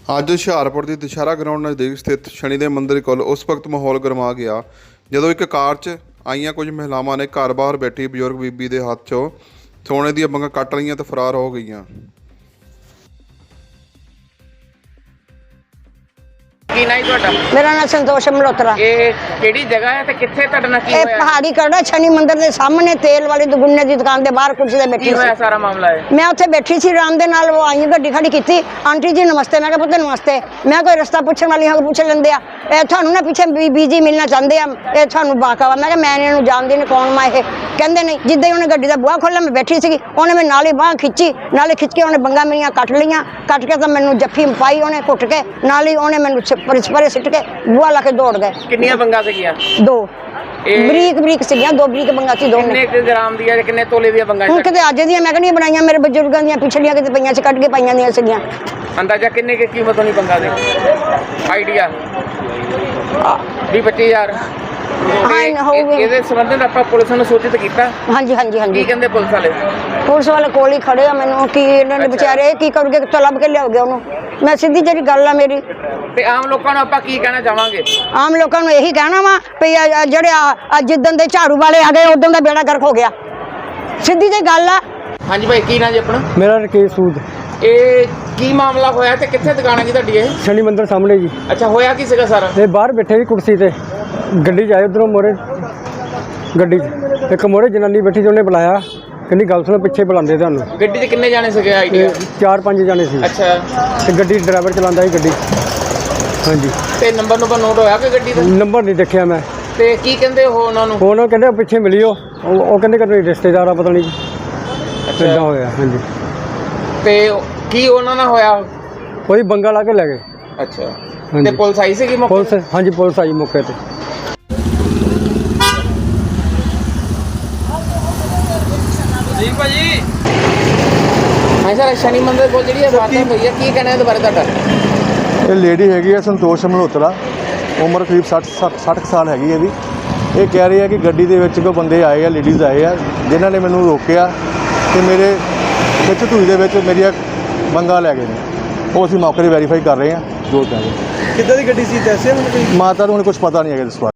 ਅੱਜ ਹੁਸ਼ਿਆਰਪੁਰ ਦੀ ਦੁਸ਼ਹਿਰਾ ਗਰਾਊਂਡ ਨਜ਼ਦੀਕ ਸਥਿਤ ਸ਼ਨੀ ਦੇ ਮੰਦਿਰ ਕੋਲ ਉਸ ਵਕਤ ਮਾਹੌਲ ਗਰਮਾ ਗਿਆ ਜਦੋਂ ਇੱਕ ਕਾਰ 'ਚ ਆਈਆਂ ਕੁਝ ਮਹਿਲਾਵਾਂ ਨੇ ਘਰ ਬਾਹਰ ਬੈਠੀ ਬਜ਼ੁਰਗ ਬੀਬੀ ਦੇ ਹੱਥ 'ਚੋਂ ਸੋਨੇ ਦੀਆਂ ਬੰਗਾਂ ਕੱਟ ਲਈਆਂ ਤੇ ਫਰਾਰ ਹੋ ਗਈਆਂ। ਕੀ ਨਾਂ ਤੁਹਾਡਾ? मेरा नाम संतोष मल्होत्रा। ਇਹ ਕਿਹੜੀ ਜਗ੍ਹਾ ਹੈ ਤੇ ਕਿੱਥੇ ਤੁਹਾਡੇ ਨਾਲ ਕੀ ਇਹ ਹੋਇਆ? ਪਹਾੜੀ ਕੜਾ ਸ਼ਨੀ ਮੰਦਿਰ ਦੇ ਸਾਹਮਣੇ ਤੇਲ ਵਾਲੀ ਦੁਗੁੰਨੇ ਦੀ ਦੁਕਾਨ ਦੇ ਬਾਹਰ ਕੁਰਸੀ ਤੇ ਬੈਠੀ ਕੀ ਹੋਇਆ ਸੀ। ਸਾਰਾ ਮਾਮਲਾ ਹੈ? ਮੈਂ ਉੱਥੇ ਬੈਠੀ ਸੀ ਆਰਾਮ ਦੇ ਨਾਲ, ਉਹ ਆਈ ਗੱਡੀ ਖੜੀ ਕੀਤੀ, ਆਂਟੀ ਜੀ ਨਮਸਤੇ। ਮੈਂ ਕਿਹਾ ਪੁੱਤ ਨਮਸਤੇ। ਮੈਂ ਕੋਈ ਰਸਤਾ ਪੁੱਛਣ ਵਾਲੀ ਹਾਂ, ਪੁੱਛ ਲੈਂਦੇ ਆ। ਇਹ ਤੁਹਾਨੂੰ ਨਾ ਪਿੱਛੇ ਬੀਜੀ ਮਿਲਣਾ ਚਾਹੁੰਦੇ ਆ, ਇਹ ਤੁਹਾਨੂੰ ਬਾਕਾ ਵਾ। ਮੈਂ ਕਿਹਾ ਮੈਂ ਇਹਨੂੰ ਜਾਣਦੀ ਨਹੀਂ, ਕੌਣ ਮੈਂ ਇਹ? ਕਹਿੰਦੇ ਨਹੀਂ। ਜਿੱਦਾਂ ਹੀ ਉਹਨੇ ਗੱਡੀ ਦਾ ਬੂਹਾ ਖੋਲ੍ਹਿਆ, ਮੈਂ ਬੈਠੀ ਸੀਗੀ, ਉਹਨੇ ਮੈਂ ਨਾਲ ਹੀ ਬਾਂਹ ਖਿੱਚੀ, ਨਾਲੇ ਖਿੱਚ ਕੇ ਉਹਨੇ ਬੰਗਾਂ ਮੇਰੀਆਂ ਕੱਟ ਲਈਆਂ। ਕੱਟ ਕੇ ਤਾਂ ਮੈਨੂੰ ਜੱਫੀ ਪਾਈ ਉਹਨੇ ਘੁੱਟ ਕੇ, ਨਾਲ ਹੀ ਉਹਨੇ ਮੈਨੂੰ ਪਰੇ ਸਿੱਟ ਕੇ ਬੂਹਾ ਲਾ ਕੇ ਦੌੜ ਗਏ। ਕਿੰਨੀਆਂ ਬੰਗਾਂ ਸੀਗੀਆਂ? ਦੋ ਇਹ ਬਰੀਕ ਬਰੀਕ ਸੀਗੀਆਂ, ਦੋ ਬਰੀਕ ਬੰਗਾਂ ਸੀ ਦੋਨੇ। ਕਿੰਨੇ ਕੁ ਗ੍ਰਾਮ ਦੀਆਂ ਤੇ ਕਿੰਨੇ ਤੋਲੇ ਦੀਆਂ ਬੰਗਾਂ? ਹੁਣ ਕਿਤੇ ਅੱਜ ਦੀਆਂ ਮੈਂ ਕਹਿੰਦੀ ਬਣਾਈਆਂ, ਮੇਰੇ ਬਜ਼ੁਰਗਾਂ ਦੀਆਂ ਪਿਛਲੀਆਂ ਕਿਤੇ ਪਈਆਂ ਸੀ, ਕੱਢ ਕੇ ਪਾਈਆਂ ਦੀਆਂ ਸੀਗੀਆਂ। ਅੰਦਾਜ਼ਾ ਕਿੰਨੇ ਕੀ ਕੀਮਤ ਹੋਣੀ ਬੰਗਾਂ ਦੀ? ਆਈਡੀਆ 20-25,000। ਹਾਂ ਹੋਊਗੇ। ਇਹਦੇ ਸੰਬੰਧ ਵਿੱਚ ਆਪਾਂ ਪੁਲਿਸ ਨੂੰ ਸੂਚਿਤ ਕੀਤਾ? ਹਾਂਜੀ ਹਾਂਜੀ ਕੀ ਹਾਂਜੀ, ਕਹਿੰਦੇ ਪੁਲਿਸ ਵਾਲੇ? ਪੁਲਿਸ ਵਾਲੇ ਕੋਲ ਹੀ ਖੜੇ ਆ। ਮੈਨੂੰ ਕੀ ਇਹਨਾਂ ਨੇ ਅੱਛਾ। ਵਿਚਾਰੇ ਕੀ ਕਰੂਗੇ, ਕਿੱਥੋਂ ਲੱਭ ਕੇ ਲਿਆਓਗੇ ਉਹਨੂੰ? ਮੈਂ ਸਿੱਧੀ ਜਿਹੜੀ ਗੱਲ ਆ ਮੇਰੀ, ਤੇ ਆਮ ਲੋਕਾਂ ਨੂੰ ਆਪਾਂ ਕੀ ਕਹਿਣਾ ਚਾਹਾਂਗੇ? ਆਮ ਲੋਕਾਂ ਨੂੰ ਇਹੀ ਕਹਿਣਾ ਵਾ ਵੀ ਜਿਹੜੇ ਜਿੱਦਣ ਦੇ ਝਾੜੂ ਵਾਲੇ ਆ ਗਏ ਉਦੋਂ ਦਾ ਬੇੜਾ ਗਰਕ ਹੋ ਗਿਆ। ਸਿੱਧੀ ਜਿਹੀ ਗੱਲ ਆ। ਹਾਂਜੀ ਭਾਈ, ਕੀ ਨਾਂ ਜੀ ਆਪਣਾ? ਮੇਰਾ ਰਕੇਸ਼ ਸੂਦ, ਇਹ ਕੀ ਮਾਮਲਾ ਹੋਇਆ ਤੇ ਕਿੱਥੇ ਦੁਕਾਨ ਹੈ ਜੀ ਤੁਹਾਡੀ ਇਹ? ਸ਼ਨੀ ਮੰਦਿਰ ਸਾਹਮਣੇ ਜੀ। ਅੱਛਾ, ਹੋਇਆ ਕੀ ਸੀਗਾ ਸਾਰਾ? ਇਹ ਬਾਹਰ ਬੈਠੇ ਸੀ ਕੁਰਸੀ ਤੇ, ਗੱਡੀ 'ਚ ਆਏ ਉੱਧਰੋਂ ਮੋਰੇ ਗੱਡੀ 'ਚ ਇੱਕ ਮੋਰੇ ਜਨਾਨੀ ਬੈਠੀ ਸੀ, ਉਹਨੇ ਬੁਲਾਇਆ, ਕਹਿੰਦੀ ਗੱਲ ਸੁਣੋ, ਪਿੱਛੇ ਬੁਲਾਉਂਦੇ ਤੁਹਾਨੂੰ। ਗੱਡੀ 'ਚ ਕਿੰਨੇ ਜਾਣੇ ਸੀਗੇ ਤੇ ਆਈਡੀਆ? 4-5 ਜਾਣੇ ਸੀ ਅੱਛਾ, ਤੇ ਗੱਡੀ ਡਰਾਈਵਰ ਚਲਾਉਂਦਾ ਸੀ ਗੱਡੀ। ਹਾਂਜੀ, ਤੇ ਨੰਬਰ ਨੋਟ ਹੋਇਆ ਕਿ ਗੱਡੀ ਦਾ? ਨੰਬਰ ਨਹੀਂ ਦੇਖਿਆ ਮੈਂ। ਤੇ ਕੀ ਕਹਿੰਦੇ ਉਹ ਉਹਨਾਂ ਨੂੰ? ਉਹਨਾਂ ਕਹਿੰਦੇ ਪਿੱਛੇ ਮਿਲਿਓ, ਉਹ ਕਹਿੰਦੇ ਕਿ ਰਿਸ਼ਤੇਦਾਰ ਆ, ਪਤਾ ਨਹੀਂ ਕਿੱਦਾਂ ਹੋਇਆ। ਹਾਂਜੀ, ਤੇ ਕੀ ਉਹਨਾਂ ਨਾਲ ਹੋਇਆ? ਉਹਦੀ ਬੰਗਾ ਲਾ ਕੇ ਲੈ ਗਏ। ਅੱਛਾ, ਹਾਂਜੀ। ਤੇ ਪੁਲਿਸ ਆਈ ਸੀਗੀ ਮੌਕੇ ਤੇ? ਪੁਲਿਸ, ਹਾਂਜੀ ਪੁਲਿਸ ਆਈ ਮੌਕੇ ਤੇ। ਜੀ ਭਾਜੀ। ਹਾਂ ਸਰ, ਸ਼ਨੀ ਮੰਦਿਰ ਕੋਲ ਜਿਹੜੀ ਵਾਰਦਾਤ ਹੋਈ ਹੈ, ਕੀ ਕਹਿਣਾ ਇਹਦੇ ਬਾਰੇ ਤੁਹਾਡਾ? ਇਹ ਲੇਡੀ ਹੈਗੀ ਹੈ ਸੰਤੋਸ਼ ਮਲਹੋਤਰਾ, ਉਮਰ ਕਰੀਬ 60 ਸਾਲ ਹੈਗੀ ਹੈ ਇਹਦੀ। ਇਹ ਕਹਿ ਰਹੀ ਹੈ ਕਿ ਗੱਡੀ ਦੇ ਵਿੱਚ ਕੋਈ ਬੰਦੇ ਆਏ ਆ, ਲੇਡੀਜ਼ ਆਏ ਆ, ਜਿਨ੍ਹਾਂ ਨੇ ਮੈਨੂੰ ਰੋਕਿਆ ਤੇ ਮੇਰੇ ਵਿੱਚ ਧੂਈ ਦੇ ਵਿੱਚ ਮੇਰੀਆਂ ਬੰਗਾ ਲੈ ਗਏ ਨੇ। ਉਹ ਅਸੀਂ ਮੌਕੇ 'ਤੇ ਵੈਰੀਫਾਈ ਕਰ ਰਹੇ ਹਾਂ ਜੋ ਕਹਿੰਦੇ। ਕਿੱਦਾਂ ਦੀ ਗੱਡੀ ਸੀ ਦੱਸਿਆ ਮੈਨੂੰ ਕੋਈ? ਮਾਤਾ ਨੂੰ ਹੁਣ ਕੁਝ ਪਤਾ ਨਹੀਂ ਹੈਗਾ ਇਸ ਬਾਰੇ।